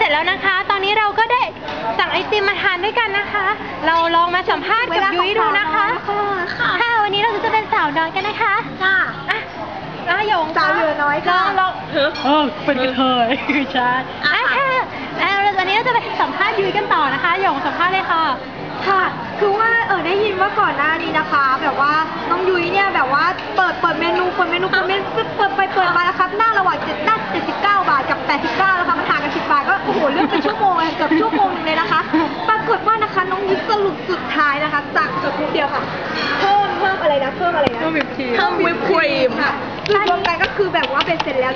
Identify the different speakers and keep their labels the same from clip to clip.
Speaker 1: จแล้วนะคะตอนนี้เราก็ได้สั่งไอติมมาทานด้วยกันนะคะเราลองมาสัมภาษณ์กับยุ้ยดูนะคะค่ะวันนี้เราจะเป็นสาวน้อยกันนะคะค่ะหยง
Speaker 2: สาวเหลือน้อยค่ะ
Speaker 1: ลอง
Speaker 3: เป็นกระเทยใช่
Speaker 1: ค่ะวันนี้เราจะไปสัมภาษณ์ยุ้ยกันต่อนะคะหยงสัมภาษณ์เลยค่ะ
Speaker 2: ค่ะคือว่าได้ยินว่าก่อนหน้านี้นะคะแบบว่าน้องยุ้ยเนี่ยแบบว่าเปิดเมนูเปิดไปเปิดมาแล้วครับหน้าระหว่าง79 บาทกับ89แล้วค่ะมันห่างกัน10 บาทก็โอ้โหเลือกเป็นชั่วโมงเลยเกือบชั่วโมงนึงเลยนะคะปรากฏว่านะคะน้องยุ้ยสรุปสุดท้ายนะคะสั่งจบเดียวค่ะเพิ่มอะไรนะเพิ่มวิปครีมค่ะรวมกันก็คือแบบว่าเป็นเสร็จแล้ว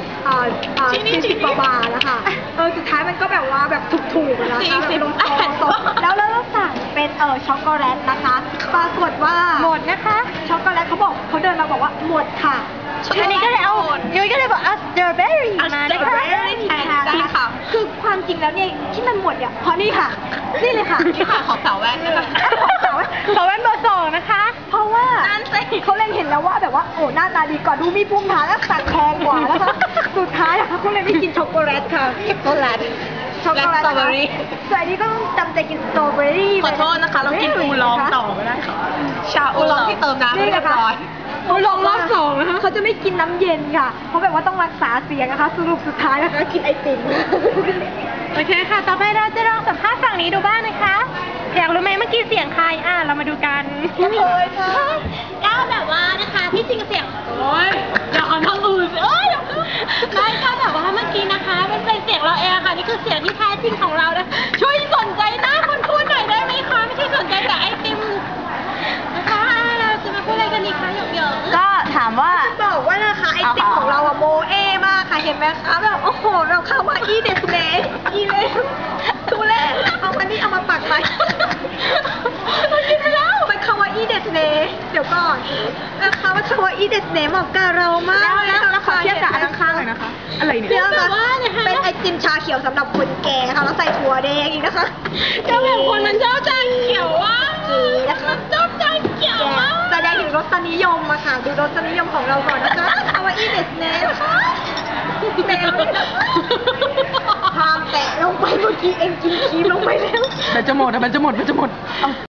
Speaker 2: 40 กว่าบาทแล้วค่ะสุดท้ายมันก็แบบว่าแบบถูกๆนะคะแบบลงตรงแล้วเราสั่งเป็นช็อกโกแลตนะคะปรากฏว่า
Speaker 1: หมดนะคะ
Speaker 2: ช็อกโกแลตเขาเดินมาบอกว่าหมดค่ะ
Speaker 1: อันนี้ก็เลยยุ้ยก็เลยบอกสตรอเบอรี่มานะคะ
Speaker 2: ใช่ค่ะคือความจริงแล้วเนี่ยที่มันหมดเนี่ยเพราะนี่ค่ะนี่เลยค่ะ
Speaker 3: นี่ค่ะของสาวแว่นนะคะ
Speaker 1: สาวแว่นเบอร์ 2นะคะ
Speaker 2: เพราะว่าเขาเล็งเห็นแล้วว่าแบบว่าโอ้หน้าตาดีกว่าดูมีภูมิฐานและสั่งแพงกว่านะคะสุดท้ายนะคะเขาเลยไม่กินช็อกโกแลตค่ะ
Speaker 3: ช็อกโกแลต
Speaker 2: สตรอเบอรี่ส่วนอันนี้ก็ต้องจำใจกินสตรอเบอรี่
Speaker 3: ขอโทษนะคะเรากินอูลองต่อก็ได้ค่ะชาอูลองที่เติมน้ำไม่เรียบร้อย
Speaker 2: อูลองรอบ 2นะคะเขาจะไม่กินน้ำเย็นค่ะเพราะแบบว่าต้องรักษาเสียงนะคะสรุปสุดท้ายนะคะกินไอติม
Speaker 1: โอเคค่ะต่อไปเราจะลองสัมภาษณ์ฝั่งนี้ดูบ้างนะคะอยากรู้ไหมเมื่อกี้เสียงใครเรามาดูกัน
Speaker 2: เลยค่ะ
Speaker 1: ก็แบบว่านะคะที่จริงเสียงอย่าเอาทางอื่นไม่ค่ะแบบว่าเมื่อกี้นะคะมันเป็นเสียงเราเองค่ะนี่คือเสียงที่แท้จริงของเรานะช่วยสนใจหน้าคนพูดหน่อยได้ไหมคะไม่ใช่สนใจแต่ไอติมนะคะเราจะมาพูดอะไรกันดีคะหยก
Speaker 3: ก็ถามว่า
Speaker 2: บอกว่านะคะไอติมของเราโมเอมากค่ะเห็นไหมคะแบบโอ้โหเราเข้ามาอีเดสเนสอีเลยดูแลเอาอันนี้เอามาปักไป
Speaker 1: กินไปแล้ว
Speaker 2: มันคำว่าอีเดสเนสเดี๋ยวก่อนนะคะมันคำว่าอีเดสเนสเหมาะกับเรามาก
Speaker 3: แล้วขอเทียบกับอันข้างๆเลยนะคะอะไรเนี่ย
Speaker 2: เป็นไอติมชาเขียวสำหรับคนแก่ค่ะแล้วใส่ถั่วแดงอีกนะคะ
Speaker 1: ก็แบบคนมันชอบชาเขียวว่า
Speaker 2: นะคะ
Speaker 1: ชอบชาเขียวว่า
Speaker 2: แสดงถึงรสนิยมอะค่ะดูรสนิยมของเราก่อนนะคะคำว่าอีเดสเนสนะคะแมวพามแตะลงไปเมื่อกี้เองกินครีมลงไปแล้ว
Speaker 3: มันจะหมด